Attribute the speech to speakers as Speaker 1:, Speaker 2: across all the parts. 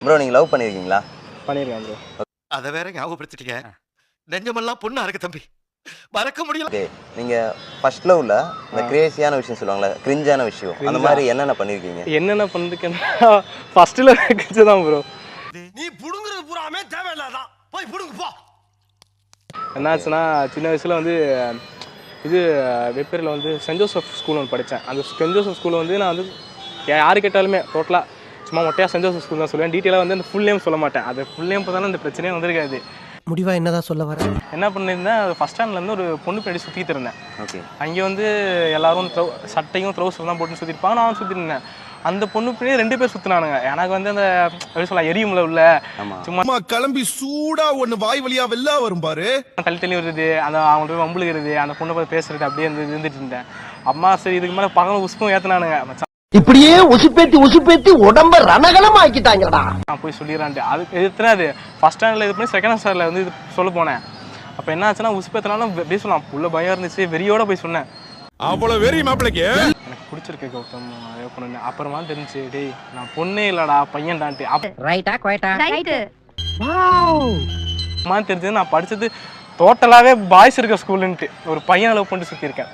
Speaker 1: Bro நீங்க love பண்ணிருக்கீங்களா?
Speaker 2: பண்ணியிருக்கேன் ப்ரோ.
Speaker 3: அதை வேற ஞாபகப்படுத்திட்டீங்க. நெஞ்சமெல்லாம் பொண்ணா இருக்கு தம்பி, மறக்க முடியல.
Speaker 1: ஓகே, நீங்க ஃபர்ஸ்ட் லவ்ல இந்த கிரேசியான விஷயம் சொல்லுவாங்கல்ல, கிரிஞ்சான விஷயம், அந்த மாதிரி என்னென்ன பண்ணிருக்கீங்க?
Speaker 2: என்னென்ன பண்ணிருக்கேன்னா ஃபர்ஸ்ட்ல தான் ப்ரோ.
Speaker 3: நீ புடுங்குறது பூராமே தேவையில்லாதான், போய் புடுங்கு போ.
Speaker 2: என்னாச்சுன்னா சின்ன வயசுல வந்து இது வெப்பேரியில் வந்து சென்ட் ஜோசப் ஸ்கூல் ஒன்று படித்தேன். அந்த சென்ட் ஜோசப் ஸ்கூலில் வந்து நான் வந்து யாரு கேட்டாலுமே டோட்டலாக சும்மா மொட்டையாக சென்ட் ஜோசப் ஸ்கூல் தான் சொல்லுவேன். டீட்டெயிலாக வந்து அந்த ஃபுல் நேம் சொல்ல மாட்டேன். அது ஃபுல் நேம் பார்த்தாலும் அந்த பிரச்சனையே வந்திருக்காது.
Speaker 4: முடிவா என்னதான் சொல்ல வர?
Speaker 2: என்ன பண்ணியிருந்தேன், ஃபஸ்ட் ஸ்டாண்ட்லேருந்து ஒரு பொண்ணு பின்னாடி சுற்றிட்டு இருந்தேன்.
Speaker 1: ஓகே,
Speaker 2: அங்கே வந்து எல்லாரும் சட்டையும் ட்ரௌசர் தான் போட்டு சுற்றிருப்பாங்க, நானும் சுற்றிட்டு இருந்தேன். அந்த பொண்ணு பின்னாடி 2 பேர் சுற்றினானுங்க. எனக்கு வந்து அந்த எப்படி சொல்ல எரியும்ல உள்ள சும்மா
Speaker 5: கிளம்பி சூடா ஒண்ணு வாய் வழியா வெளில வரும் பாரு,
Speaker 2: தள்ளி வருது, அந்த அவங்கள்ட்ட போய் வம்புழுகிறது, அந்த பொண்ணை பார்த்து பேசுறது அப்படியே இருந்துட்டு இருந்தேன். அம்மா சரி இதுக்கு மேலே பகலும் உசுப்பும் ஏற்றினானுங்க.
Speaker 4: இப்படியே உசுப்பேத்தி உடம்ப ரணகலம் ஆக்கிட்டாங்கடா.
Speaker 2: நான் போய் சொல்லிடுறான்ட்டு அது எதிர்த்துனா அது ஃபர்ஸ்ட் ஸ்டாண்டர்டில் இது பண்ணி செகண்ட் ஸ்டாண்டர்டில் வந்து இது சொல்ல போனேன். அப்போ என்ன ஆச்சுன்னா உசுப்பேத்தினாலும் அப்படியே சொல்லலாம், உள்ள பயம் இருந்துச்சு, வெறியோட போய் சொன்னேன்.
Speaker 5: அவ்வளவு வெறி மாப்பிளைக்கு
Speaker 2: எனக்கு பிடிச்சிருக்கு கௌதம் அதே பொண்ணு. அப்புறமா தெரிஞ்சு டேய் நான் பொண்ணே இல்லடா பையன்டான்ட்டு.
Speaker 4: ரைட்டா குவைட்டா?
Speaker 6: ரைட்.
Speaker 2: அம்மா தெரிஞ்சது நான் படிச்சது டோட்டலாவே பாய்ஸ் இருக்க ஸ்கூலுன்ட்டு ஒரு பையன் லவ் பண்ணிட்டு சுற்றிருக்கேன்.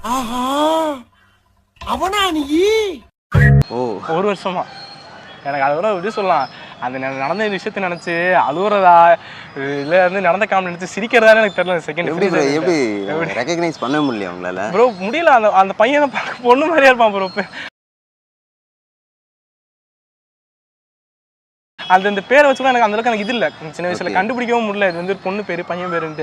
Speaker 5: அவனா நீ?
Speaker 1: ஓ,
Speaker 2: 1 வருஷமா. எனக்கு அதை விட எப்படி சொல்லலாம், அந்த நடந்த விஷயத்தை நினைச்சு அழுகுறதா இல்லை வந்து நடந்த காமெடி நினைச்சு சிரிக்கிறதான்னு எனக்கு தெரியல. செகண்ட்
Speaker 1: எப்படி ரெகக்னைஸ் பண்ண முடியல உங்களால?
Speaker 2: ப்ரோ முடியல. அந்த பையனை பார்க்க பொண்ணு மாதிரியா இருப்பான் ப்ரோ. அந்த பேரை வச்சு கூட எனக்கு அந்த அளவுக்கு எனக்கு இது இல்லை. சின்ன வயசுல கண்டுபிடிக்கவும் முடியல இது வந்து ஒரு பொண்ணு பேரு பையன் பேருன்ட்டு.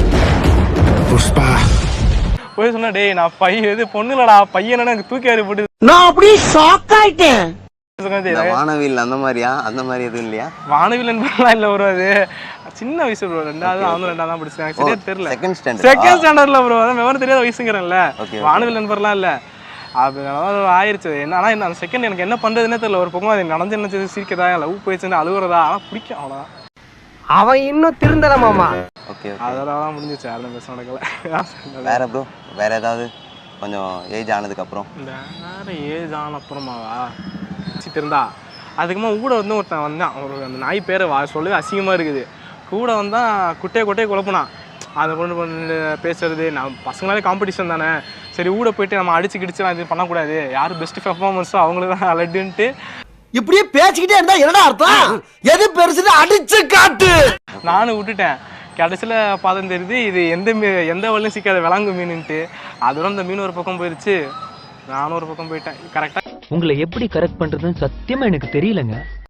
Speaker 2: போய் சொன்னா டேய் நான் பையன் இது பொண்ணு இல்லடா பையன் எனக்கு தூக்கி அறி போட்டு
Speaker 4: நான் அப்படியே ஷாக் ஆயிட்டேன்.
Speaker 1: வானவில் அந்த மாதிரியா? அந்த மாதிரி எதுவும் இல்லையா?
Speaker 2: வானவில் என்பதெல்லாம் இல்லை ப்ரோ. அது சின்ன வயசு ப்ரோ. 2வது அவனும் 2வது தான் படிச்சாங்க. சரியா தெரியல.
Speaker 1: செகண்ட்
Speaker 2: ஸ்டாண்டர்ட்ல ப்ரோ. அதான் விவரம் தெரியாத வயசுங்கிறேன்ல. வானவில் நண்பர்லாம் இல்லை. அது ஆயிடுச்சு. என்னன்னா அந்த செகண்ட் எனக்கு என்ன பண்றதுன்னே தெரியல. ஒரு பக்கம் அது நடந்து என்ன சிரிக்கிறதா லவ் போயிடுச்சுன்னு அழுகுறதா, ஆனால் பிடிக்கும் அவ்வளோதான்.
Speaker 4: அவன் இன்னும் திருந்தல மாமா.
Speaker 1: ஓகே,
Speaker 2: அதெல்லாம் முடிஞ்சிச்சு. யாரும் பேச நடக்கல.
Speaker 1: வேற ப்ரோ, வேற ஏதாவது கொஞ்சம் ஏஜ் ஆனதுக்கு அப்புறம்?
Speaker 2: வேற ஏஜ் ஆன அப்புறமாவா இருந்தா அதுக்குமா கூட வந்து ஒருத்தன் வந்தான். ஒரு அந்த நாய் பேரை சொல்லவே அசிங்கமாக இருக்குது. கூட வந்தால் குட்டையை குழப்புனான். அதை கொண்டு பேசுறது. நான் பசங்களாலே காம்படிஷன் தானே, சரி ஊட போயிட்டு நம்ம அடிச்சு கிடிச்சுலாம் இது பண்ணக்கூடாது, யார் பெஸ்ட் பெர்ஃபார்மன்ஸோ அவங்களுக்கு தான் லட்டுன்ட்டு
Speaker 4: இப்படியே பேசிக்கிட்டே இருந்தா என்னடா அர்த்தம்? எது பெருசுன்னு அடிச்சு காட்டு.
Speaker 2: நானும் விட்டுட்டேன். கடைசியில் பார்த்தம் தெரியுது இது எந்த வழியும் சிக்காத விளாங்கு மீனுன்ட்டு. அதோட அந்த மீன் ஒரு பக்கம் போயிடுச்சு, நானும் ஒரு பக்கம் போயிட்டேன். கரெக்டாக
Speaker 7: உங்களை எப்படி கரெக்ட் பண்றதுன்னு சத்தியமா எனக்கு தெரியலங்க.